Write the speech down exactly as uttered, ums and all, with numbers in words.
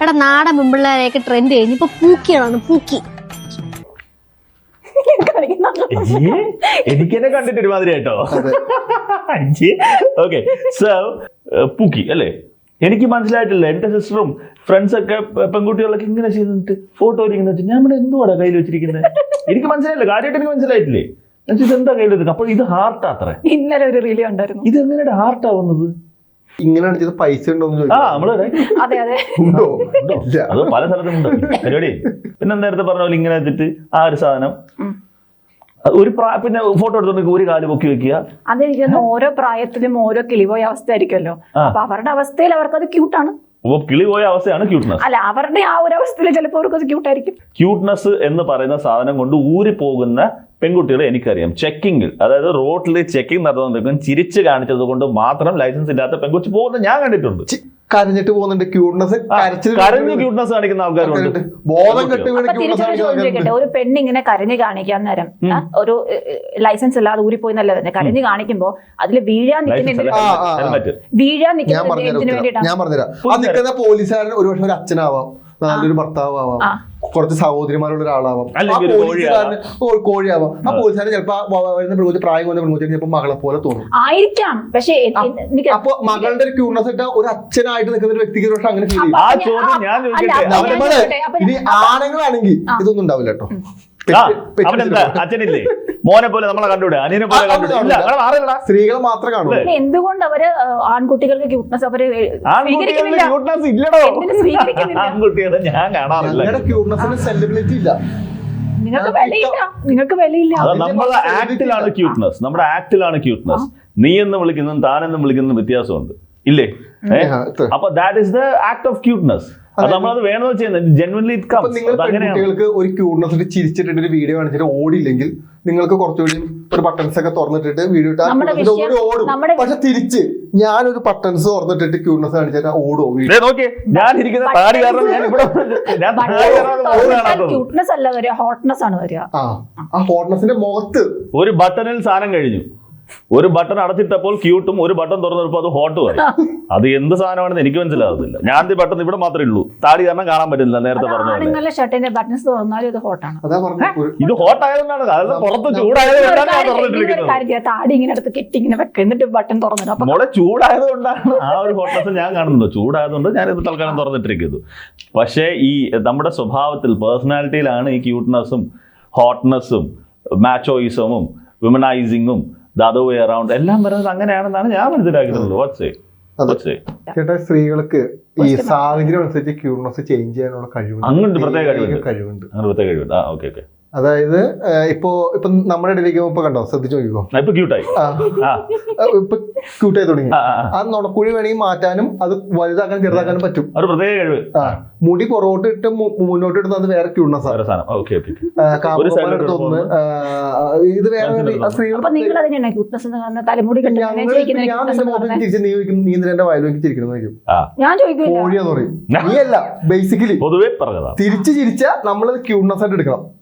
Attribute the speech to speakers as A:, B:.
A: എടാ നാടൻ പെമ്പിള്ളേരെയൊക്കെ ട്രെൻഡ് കഴിഞ്ഞ് ഇപ്പൊ പൂക്കിയാണ് പൂക്കി.
B: എനിക്കെന്നെ കണ്ടിട്ട് ഒരുമാതിരി കേട്ടോ. ഓക്കെ, സോ പൂക്കി അല്ലേ? എനിക്ക് മനസ്സിലായിട്ടില്ല. എന്റെ സിസ്റ്ററും ഫ്രണ്ട്സ് ഒക്കെ പെൺകുട്ടികളൊക്കെ ഇങ്ങനെ ചെയ്തിട്ട് ഫോട്ടോ ഇരിക്കുന്ന ഞാൻ ഇവിടെ എന്തുവാടാ കയ്യിൽ വെച്ചിരിക്കുന്നത്? എനിക്ക് മനസ്സിലായില്ല, കാര്യമായിട്ട് എനിക്ക് മനസ്സിലായിട്ടില്ലേ എന്താ കയ്യിൽ വെക്കുന്നത്. അപ്പോൾ ഇത് ഹാർട്ട് അത്ര
C: ഇന്നലെ ഒരു റീല് ഉണ്ടായിരുന്നു.
B: ഇത് എങ്ങനെയാണ് ഹാർട്ട് ആവുന്നത്?
D: ഇങ്ങനെയാണ് ചെയ്ത് പൈസ ഉണ്ടോന്ന്
B: ആ നമ്മള്
C: അതെ അതെ
B: അത് പല സ്ഥലത്തും ഉണ്ട് പരിപാടി. പിന്നെ നേരത്തെ പറഞ്ഞ പോലെ ഇങ്ങനെ വെച്ചിട്ട് ആ ഒരു സാധനം ഒരു പിന്നെ ഫോട്ടോ എടുത്തോണ്ട് ഒരു കാല് പൊക്കി വെക്കുക.
C: അതെനിക്ക് ഓരോ പ്രായത്തിലും ഓരോ കിളിപോയ അവസ്ഥ ആയിരിക്കുമല്ലോ. അപ്പൊ അവരുടെ അവസ്ഥയിൽ അവർക്ക് അത് ക്യൂട്ടാണ്.
B: അപ്പൊ കിളി പോയ അവസ്ഥയാണ് ക്യൂട്ട്നെസ്.
C: അല്ല, അവരുടെ ആ ഒരു അവസ്ഥയിൽ ചിലപ്പോൾ അവർക്ക് അത് ക്യൂട്ടായിരിക്കും.
B: ക്യൂട്ട്നെസ് എന്ന് പറയുന്ന സാധനം കൊണ്ട് ഊരി പോകുന്ന പെൺകുട്ടികളെ എനിക്കറിയാം. ചെക്കിങ്ങിൽ, അതായത് റോഡിൽ ചെക്കിംഗ് നടന്നുകൊണ്ടിരിക്കും ചിരിച്ച് കാണിച്ചത് കൊണ്ട് മാത്രം ലൈസൻസ് ഇല്ലാത്ത പെൺകുട്ടി പോകുന്നത് ഞാൻ കണ്ടിട്ടുണ്ട്.
D: കരഞ്ഞിട്ട് പോകുന്നുണ്ട്. ക്യൂട്ട്നെസ്
B: കരഞ്ഞ് ക്യൂട്ട്നെസ് കാണിക്കുന്ന ആൾക്കാരുണ്ട്.
D: ബോധം കെട്ട്
C: ഒരു പെണ്ണിങ്ങനെ കരഞ്ഞ് കാണിക്കാൻ നേരം ഒരു ലൈസൻസ് ഇല്ലാതെ ഊരിപ്പോയി എന്നല്ല കരഞ്ഞ് കാണിക്കുമ്പോ അതിൽ വീഴാൻ നിൽക്കുന്ന വീഴാൻ നിൽക്കുന്നതിന് വേണ്ടിയിട്ടാണ്.
D: ഞാൻ പറഞ്ഞുതരാം. ആ നിൽക്കുന്ന പോലീസുകാരൻ ഒരുപക്ഷെ ഒരു അച്ഛനാവാം, നല്ലൊരു ഭർത്താവാം, കുറച്ച് സഹോദരിമാരുള്ള ഒരാളാവാം, കോഴിയാവാം. ആ പോലീസുകാരൻ ചിലപ്പോ വരുന്ന പ്രകൃതി പ്രായം വന്ന പ്രകൃതി ചിലപ്പോൾ മകളെ പോലെ തോന്നും
C: ആയിരിക്കാം. പക്ഷേ
D: അപ്പൊ മകളുടെ ഒരു ക്യൂട്ട്നെസ് ഇട്ട ഒരു അച്ഛനായിട്ട് നിൽക്കുന്ന ഒരു വ്യക്തിക്ക് പക്ഷെ അങ്ങനെ ഫീൽ ചെയ്യും.
B: ആ ചോദ്യം ഞാൻ
D: ഇനി ആണുങ്ങളാണെങ്കിൽ ഇതൊന്നും ഉണ്ടാവില്ല കേട്ടോ.
B: അവനെന്താ അച്ഛനില്ലേ മോനെ പോലെ നമ്മളെ കണ്ടുവിടെ, അനിയനെ പോലെ കണ്ടുവിടെ.
D: സ്ത്രീകളെ മാത്രം കാണും.
C: എന്തുകൊണ്ട് അവര് ആൺകുട്ടികൾക്ക് ക്യൂട്ട്നെസ് അവര്
B: ക്യൂട്ട്നെസ് ഇല്ലടോ. ആൺകുട്ടികളെ ഞാൻ കാണാറില്ല.
D: ക്യൂട്ട്നെസ്സിന് സെലിബ്രിറ്റി ഇല്ല.
C: നിങ്ങൾക്ക് വിലയില്ല, നിങ്ങൾക്ക് വിലയില്ല.
B: നമ്മുടെ ആക്ടിലാണ് ക്യൂട്ട്നെസ്, നമ്മുടെ ആക്ടിലാണ് ക്യൂട്ട്നെസ്. നീ എന്ന് വിളിക്കുന്നതും താനെന്നും വിളിക്കുന്നതും വ്യത്യാസമുണ്ട് ഇല്ലേ? അപ്പൊ that is the act of cuteness. അത് നമ്മളത് വേണമെന്ന് ചെയ്യുന്നത് ജെന്യുവൻലി ഇറ്റ് കംസ്.
D: നിങ്ങൾ കുട്ടികൾക്ക് ഒരു ക്യൂട്ട്നെസ് ചിരിച്ചിട്ട് ഒരു വീഡിയോ കാണിച്ചിട്ട് ഓടില്ലെങ്കിൽ നിങ്ങൾക്ക് കുറച്ചുകൂടി ഒരു ബട്ടൺസ് ഒക്കെ തുറന്നിട്ടിട്ട് വീഡിയോ ഇട്ടാൽ ഓടും. പക്ഷെ തിരിച്ച് ഞാനൊരു ബട്ടൺസ് തുറന്നിട്ടിട്ട് ക്യൂട്ട്നെസ് കാണിച്ചാൽ ഓടോ?
B: നോക്കി ഞാൻ ഇരിക്കുന്ന താടി കാരണം ഞാൻ ഇവിടെ
C: ക്യൂട്ട്നെസ് അല്ല വരിക, ഹോട്ട്നെസ് ആണ് വരിക.
D: ആ ഹോട്ട്നെസിന്റെ മുഖത്ത്
B: ഒരു ബട്ടണിൽ സാധനം കഴിഞ്ഞു. ഒരു ബട്ടൺ അടച്ചിട്ടപ്പോൾ ക്യൂട്ടും ഒരു ബട്ടൺ തുറന്നപ്പോൾ അത് ഹോട്ടും ആയി. അത് എന്ത് സാധനമാണെന്ന് എനിക്ക് മനസ്സിലാകുന്നില്ല. ഞാൻ ഈ ബട്ടൺ ഇവിടെ മാത്രമേ ഉള്ളൂ, താടി കാരണം കാണാൻ പറ്റില്ല. നേരത്തെ പറഞ്ഞ
C: ഷർട്ടിന്റെ ബട്ടൺസ് തുറന്നാലും ഇത് ഹോട്ടാണ്.
B: ഇത് ഹോട്ട് ആയതുകൊണ്ടാണ്, അതായത് പുറത്ത് ചൂടായതുകൊണ്ടാണ്
C: താടി ഇങ്ങനെ എടുത്ത് കെട്ടി ഇങ്ങനെ വെക്കുക, എന്നിട്ട് ബട്ടൺ തുറന്നിട്ട്
B: മോളെ ചൂടായത് കൊണ്ടാണ് ആ ഒരു ഹോട്ട്നെസ് ഞാൻ കാണുന്നത്. ചൂടായതുകൊണ്ട് ഞാൻ ഇത് തൽക്കാലം തുറന്നിട്ടിരിക്കുന്നു. പക്ഷേ ഈ നമ്മുടെ സ്വഭാവത്തിൽ പേഴ്സണാലിറ്റിയിലാണ് ഈ ക്യൂട്ട്നെസ്സും ഹോട്ട്നെസ്സും മാച്ചോയിസമും വിമനൈസിങ്ങും the other way around എല്ലാം പറയുന്നത് അങ്ങനെയാണെന്നാണ് ഞാൻ മനസ്സിലാക്കുന്നത്.
D: ചേട്ടാ, സ്ത്രീകൾക്ക് ഈ സാഹചര്യം അനുസരിച്ച് ക്യൂട്ട്നെസ് ചേഞ്ച് ചെയ്യാനുള്ള കഴിവുണ്ട്.
B: അങ്ങോട്ട് പ്രത്യേക
D: കഴിവുണ്ട്
B: പ്രത്യേക കഴിവുണ്ട്. ആ ഓക്കെ ഓക്കെ.
D: അതായത് ഇപ്പോ ഇപ്പൊ നമ്മുടെ ഇടയിലേക്ക് ഇപ്പൊ കണ്ടോ, ശ്രദ്ധിച്ചു നോക്കിക്കോ,
B: ഇപ്പൊ ക്യൂട്ടായി
D: ഇപ്പൊ ക്യൂട്ടായി തുടങ്ങി. ആ നുണക്കുഴി വേണമെങ്കിൽ മാറ്റാനും അത് വലുതാക്കാനും ചെറുതാക്കാനും പറ്റും.
B: ഒരു പ്രത്യേക കഴിവ്.
D: മുടി പുറകോട്ട് ഇട്ട് മുന്നോട്ട് ഇടുന്നത് അത് വേറെ ക്യൂട്ട്നെസ് ആണ്. കാമുകന്മാരെടുത്തൊന്ന് ഇത് വേറെ സ്ത്രീകൾ. നീ നിന്റെ വയലേക്ക് ചിരിക്കണം കോഴിയാന്ന് പറയും. നീ അല്ല, ബേസിക്കലി
B: പൊതുവെ പറഞ്ഞതാ.
D: തിരിച്ച് ചിരിച്ചാ നമ്മളത് ക്യൂട്ട്നെസ് ആയിട്ട് എടുക്കണം.